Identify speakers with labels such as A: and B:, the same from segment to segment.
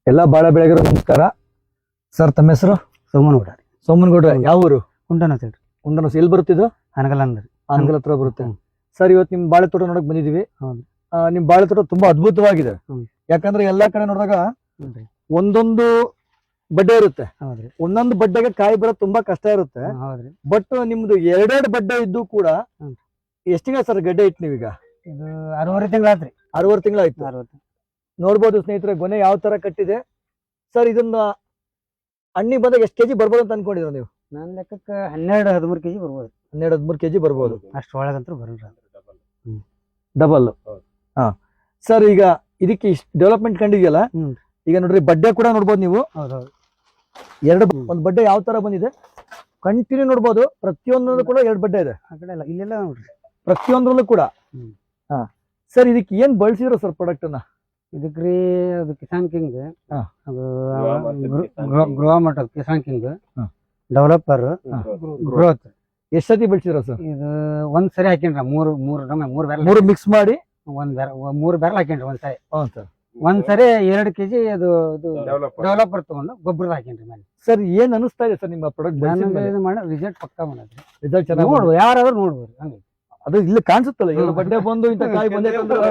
A: ಎಲ್ಲ ಬಾಳೆ ಬೆಳೆಗರು ನಮಸ್ಕಾರ ಸರ್. ತಮ್ಮ ಹೆಸರು?
B: ಸೋಮನಗೌಡ.
A: ಸೋಮನಗೌಡ್ರೆ, ಯಾವ ಊರು?
B: ಕುಂಟನ ಅಂತ ಹೇಳ್ರಿ.
A: ಕುಂಡನಸ್. ಎಲ್ಲಿ ಬರುತ್ತಿದ್ದು?
B: ಅನಗಲ್ ಅಂದ್ರಿ.
A: ಆನಗಲ್ ಹತ್ರ ಬರುತ್ತೆ. ಸರ್, ಇವತ್ತು ನಿಮ್ ಬಾಳೆ ತೋಟ ನೋಡಕ್ ಬಂದಿದೀವಿ.
B: ಹೌದು.
A: ನಿಮ್ ಬಾಳೆ ತೋಟ ತುಂಬಾ ಅದ್ಭುತವಾಗಿದೆ. ಯಾಕಂದ್ರೆ ಎಲ್ಲಾ ಕಡೆ ನೋಡಿದಾಗ
B: ಹ್ಞೂನ್ರಿ.
A: ಒಂದೊಂದು ಬಡ್ಡೆ ಇರುತ್ತೆ.
B: ಹೌದ್ರಿ.
A: ಒಂದೊಂದು ಬಡ್ಡೆಗೆ ಕಾಯಿ ಬರೋದು ತುಂಬಾ ಕಷ್ಟ ಇರುತ್ತೆ.
B: ಹೌದ್ರಿ.
A: ಬಟ್ ನಿಮ್ದು ಎರಡೆರಡು ಬಡ್ಡೆ ಇದ್ದು ಕೂಡ
B: ಹ್ಮ್.
A: ಎಷ್ಟು ತಿಂಗಳ ಸರ್ ಗಡ್ಡೆ ಇಟ್ಟು ನೀವೀಗ?
B: ಇದು 6 ತಿಂಗಳಾತ್ರಿ.
A: 6 ತಿಂಗಳಾಯ್ತು.
B: 60.
A: ನೋಡ್ಬೋದು ಸ್ನೇಹಿತರೆ, ಗೊನೆ ಯಾವ ತರ ಕಟ್ಟಿದೆ. ಸರ್, ಇದನ್ನ ಹಣ್ಣಿ ಬಂದಾಗ ಎಷ್ಟು ಕೆಜಿ ಬರ್ಬೋದು ಅಂತ ಅನ್ಕೊಂಡಿದ್ರ ನೀವು?
B: ನನ್ನ ಲೆಕ್ಕಕ್ಕೆ 12-13 ಕೆಜಿ ಬರ್ಬೋದು.
A: 12-13 ಕೆಜಿ ಬರ್ಬೋದು.
B: ಅಷ್ಟು ಒಳಗಂತೂ ಬರಲ್ರಿ.
A: ಡಬಲ್. ಹಾ ಸರ್, ಈಗ ಇದಕ್ಕೆ ಇಷ್ಟು ಡೆವಲಪ್ಮೆಂಟ್ ಕಂಡಿದೆಯಲ್ಲ,
B: ಹ್ಮ್.
A: ಈಗ ನೋಡ್ರಿ ಬಡ್ಡೆ ಕೂಡ ನೋಡ್ಬೋದು ನೀವು.
B: ಹೌದೌದು.
A: ಒಂದು ಬಡ್ಡೆ ಯಾವ ತರ ಬಂದಿದೆ ಕಂಟಿನ್ಯೂ ನೋಡ್ಬೋದು. ಪ್ರತಿಯೊಂದರಲ್ಲೂ ಕೂಡ 2 ಬಡ್ಡೆ ಇದೆ.
B: ಆ ಕಡೆ ಎಲ್ಲ ಇಲ್ಲೆಲ್ಲ ನೋಡ್ರಿ.
A: ಪ್ರತಿಯೊಂದರಲ್ಲೂ ಕೂಡ.
B: ಹ್ಮ್.
A: ಹಾ ಸರ್, ಇದಕ್ಕೆ ಏನ್ ಬಳಸಿರೋ ಸರ್ ಪ್ರಾಡಕ್ಟ್ ಅನ್ನ?
B: ಇದಕ್ರಿ ಅದು ಕಿಸಾನ್ ಕಿಂಗ್,
A: ಹಾ.
B: ಅದು ಗ್ರೋ ಮಟರ್ ಕಿಸಾನ್ ಕಿಂಗ್,
A: ಹಾ.
B: Developer, growth.
A: ಎಷ್ಟ್ ಸತಿ ಬೆಳೆಸಿರೋ ಸರ್?
B: ಇದು ಒಂದ್ ಸರಿ ಹಾಕಿನ್ರಿ. ಮೂರು ಬ್ಯಾರಲ್.
A: 3 ಮಿಕ್ಸ್ ಮಾಡಿ
B: ಮೂರು ಬ್ಯಾರಲ್ ಹಾಕಿನ್ರಿ ಒಂದ್ ಸರಿ.
A: ಹಾ ಸರ್.
B: ಒಂದ್ ಸರಿ 2 ಕೆಜಿ ಅದು ಡೆವಲಪರ್ ತಗೊಂಡು ಗೊಬ್ಬರದ ಹಾಕಿನ್ರಿ ಮೇಲೆ.
A: ಸರ್, ಏನ್ ಅನಿಸ್ತಾ ಇದೆ ಸರ್ ನಿಮ್ಮ ಪ್ರಾಡಕ್ಟ್?
B: ರಿಸಲ್ಟ್ ಪಕ್ಕಾ ಬಂದೈತ್ರಿ.
A: ರಿಸಲ್ಟ್ ಚೆನ್ನಾಗಿ
B: ನೋಡ್ಬೋದು, ಯಾರಾದ್ರೂ ನೋಡ್ಬೋದು. ಹಂಗೆ
A: ಅದು ಇಲ್ಲಿ ಕಾಣಿಸುತ್ತಲ್ಲ, 2 ಬಡ್ಡೆ ಬಂದು ಇಂತ ಕಾಯಿ ಬಂದೆ.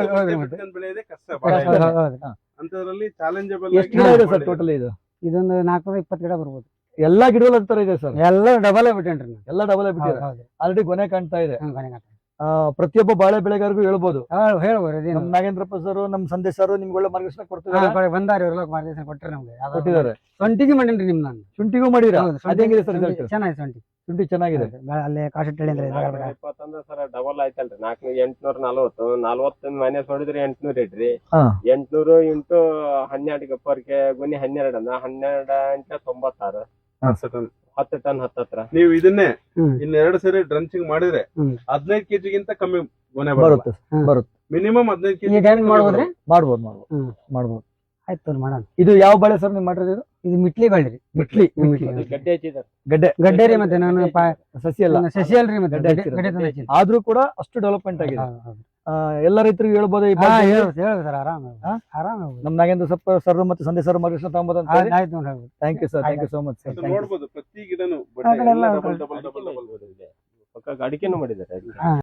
A: ಎಷ್ಟು ಗಿಡ ಇದೆ ಸರ್ ಟೋಟಲ್? ಇದು
B: ಇದೊಂದು 420 ಗಿಡ ಬರ್ಬೋದು.
A: ಎಲ್ಲಾ ಗಿಡಗಳು ಅಂತರ ಇದೆ ಸರ್.
B: ಎಲ್ಲ ಡಬಲ್ ಬಿಟ್ಟೇನ್ರಿ ನಾನು.
A: ಎಲ್ಲ ಡಬಲ್ ಬಿಟ್ಟಿದೆ. ಆಲ್ರೆಡಿ ಗೊನೆ ಕಾಣ್ತಾ ಇದೆ.
B: ಕೊನೆಗೆ
A: ಪ್ರತಿಯೊಬ್ಬ ಬಾಳೆ ಬೆಳೆಗಾರರಿಗೂ ಹೇಳ್ಬೋದು.
B: ಹೇಳ್ಬೋದು.
A: ನಮ್ ನಾಗೇಂದ್ರಪ್ಪ ಸರ್, ನಮ್ ಸಂದೇಶ್ ಸರ್ ನಿಮ್ಗೆ ಒಳ್ಳೆ ಮಾರ್ಗದರ್ಶನ ಕೊಡ್ತಿದ್ದಾರೆ.
B: ಬಂದಾರ ಇವ್ರೆಲ್ಲ ಮಾರ್ಗದರ್ಶನ ಕೊಟ್ಟರೆ ನಮ್ಗೆ.
A: ಕೊಟ್ಟಿದ್ದಾರೆ.
B: ಸೊಂಟಿಗೆ ಮಾಡೇನ್ರಿ ನಿಮ್ ನಾನು.
A: ಶುಂಠಿಗೂ ಮಾಡಿರಾ? ಅದೇಂಗಿದೆ ಸರ್ ರಿಸಲ್ಟ್?
B: ಚೆನ್ನಾಗಿ ಶುಂಠಿ.
A: ಶುಂಠಿ ಚೆನ್ನಾಗಿದೆ.
B: ಅಲ್ಲೇ ಕಾಶೆಟ್ಟಳ್ಳಿ ಅಂದ್ರೆ
C: ಸರ್ ಡಬಲ್ ಆಯ್ತಲ್ರಿ. 4840 40 ಮೈನಸ್ ನೋಡಿದ್ರೆ 800 ಇಡ್ರಿ.
A: ಹಾ.
C: 800 ಇಂಟು 12 ಗಪ್ಪರ್ಗೆ ಗುಣಿ 12 ಅನ್ನ 12 ಇಂಟ 96 10 ಟನ್ ಹತ್ತತ್ರ.
D: ನೀವು ಇದನ್ನೇ
B: ಹ್ಮ್.
D: ಇನ್ನೆರಡು ಸರಿ ಡ್ರಂಚಿಂಗ್ ಮಾಡಿದ್ರೆ
B: ಹ್ಮ್.
D: 15 ಕೆಜಿಗಿಂತ ಕಮ್ಮಿ ಗೊನೆ
A: ಬರುತ್ತೆ. ಬರುತ್ತೆ.
D: Minimum 15 KG.
B: ಈಗ ಹೆಂಗ್ ಮಾಡ್ಬೋದ್ರಿ?
A: ಮಾಡ್ಬೋದು.
B: ಹ್ಮ್.
A: ಮಾಡ್ಬೋದು.
B: ಆಯ್ತು ಮಾಡೋಣ.
A: ಇದು ಯಾವ ಬಾಳೆ ಸರ್ ನೀವು ಮಾಡಿರೋದು?
B: ಇದು ಮಿಟ್ಲಿ ಬಳ್ಳಿ.
A: ಮಿಟ್ಲಿ.
C: ಗಡ್ಡೆ ಹಚ್ಚಿದಾರೆ.
A: ಗಡ್ಡೆ
B: ರೀ. ಮತ್ತೆ ನಾನು
A: ಸಸಿ ಅಲ್ಲ,
B: ಸಸಿ ಅಲ್ರಿ. ಮತ್ತೆ
A: ಗಡ್ಡೆ
B: ಗಡ್ಡೆ ತಂದು ಹಚ್ಚಿನಿ.
A: ಆದ್ರೂ ಕೂಡ ಅಷ್ಟು ಡೆವಲಪ್ಮೆಂಟ್ ಆಗಿದೆ. ಎಲ್ಲ ರೈತರಿಗೆ ಹೇಳ್ಬೋದು. ಈ
B: ಹೇಳಿ ಸರ್. ಆರಾಮ ಆರಾಮ.
A: ನಮ್ ನಾಗೇಂದ್ರ ಸರ್ ಮತ್ತೆ ಸಂದೇಶ್ ಸರ್ ಮಾರ್ಗದರ್ಶನ ತಗೊಂಬೋದು ಅಂತ ಹೇಳಿ.
B: ಆಯ್ತು ನೋಡಿ.
A: Thank you sir. Thank you so much sir.
D: ನೋಡ್ಬೋದು ಪ್ರತಿ ಗಿಡನು
B: ಆ ಕಡೆ ಎಲ್ಲ
D: ಡಬಲ್
C: ಪಕ್ಕ ಅಡಿಕೆನೂ ಮಾಡಿದ್ದಾರೆ.